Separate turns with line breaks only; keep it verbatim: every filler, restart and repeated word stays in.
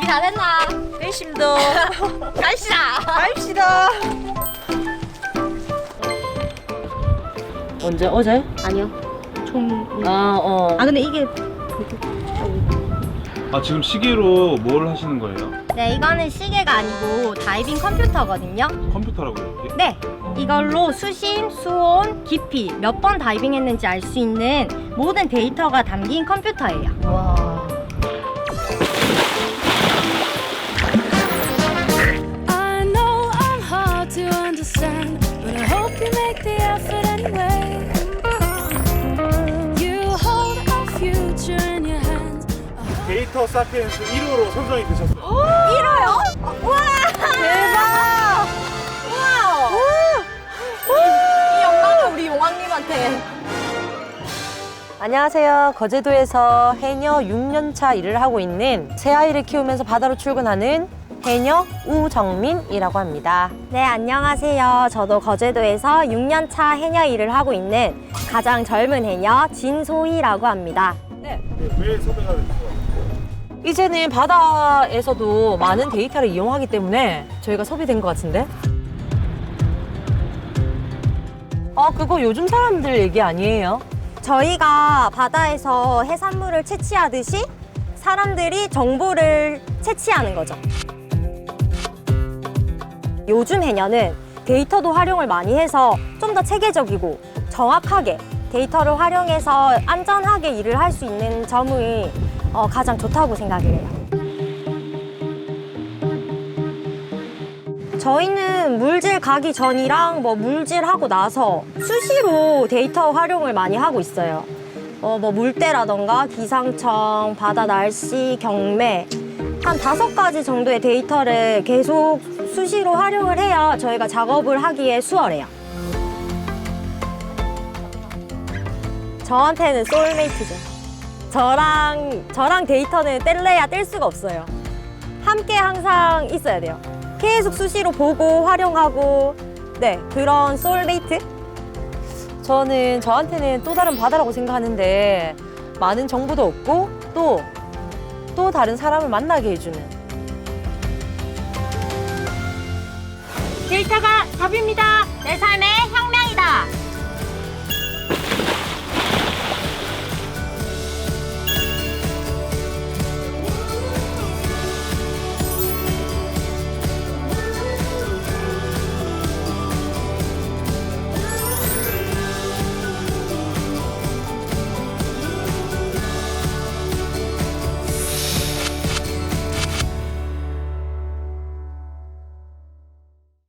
잘했나?
회심도
갑시다.
갑시다. 언제 어제?
아니요. 좀.
아 어.
아 근데 이게.
아 지금 시계로 뭘 하시는 거예요?
네, 이거는 시계가 아니고 다이빙 컴퓨터거든요.
컴퓨터라고요? 이게?
네, 이걸로 수심, 수온, 깊이 몇 번 다이빙 했는지 알 수 있는 모든 데이터가 담긴 컴퓨터예요.
와.
I know I'm hard to understand, but I hope you make the effort anyway. You hold our future in your hands.
데이터 사피엔스 일 호로 선정이 되셨어요.
일 호요? 우와!
대박.
우와! 이 영광을 우리 용왕님한테.
안녕하세요. 거제도에서 해녀 육 년 차 일을 하고 있는 새 아이를 키우면서 바다로 출근하는 해녀 우정민이라고 합니다.
네, 안녕하세요. 저도 거제도에서 육 년 차 해녀 일을 하고 있는 가장 젊은 해녀 진소희라고 합니다.
네.
왜 섭외가 됐어요?
이제는 바다에서도 많은 데이터를 이용하기 때문에 저희가 섭외된 것 같은데? 아, 그거 요즘 사람들 얘기 아니에요?
저희가 바다에서 해산물을 채취하듯이 사람들이 정보를 채취하는 거죠. 요즘 해녀는 데이터도 활용을 많이 해서 좀 더 체계적이고 정확하게 데이터를 활용해서 안전하게 일을 할 수 있는 점이 어, 가장 좋다고 생각을 해요. 저희는 물질 가기 전이랑 뭐 물질하고 나서 수시로 데이터 활용을 많이 하고 있어요. 어, 뭐 물때라던가 기상청, 바다 날씨, 경매 한 다섯 가지 정도의 데이터를 계속 수시로 활용을 해야 저희가 작업을 하기에 수월해요. 저한테는 소울메이트죠. 저랑 저랑 데이터는 뗄래야 뗄 수가 없어요. 함께 항상 있어야 돼요. 계속 수시로 보고 활용하고 네 그런 소울메이트?
저는 저한테는 또 다른 바다라고 생각하는데 많은 정보도 얻고 또, 또 다른 사람을 만나게 해주는
데이터가 답입니다. 내 삶의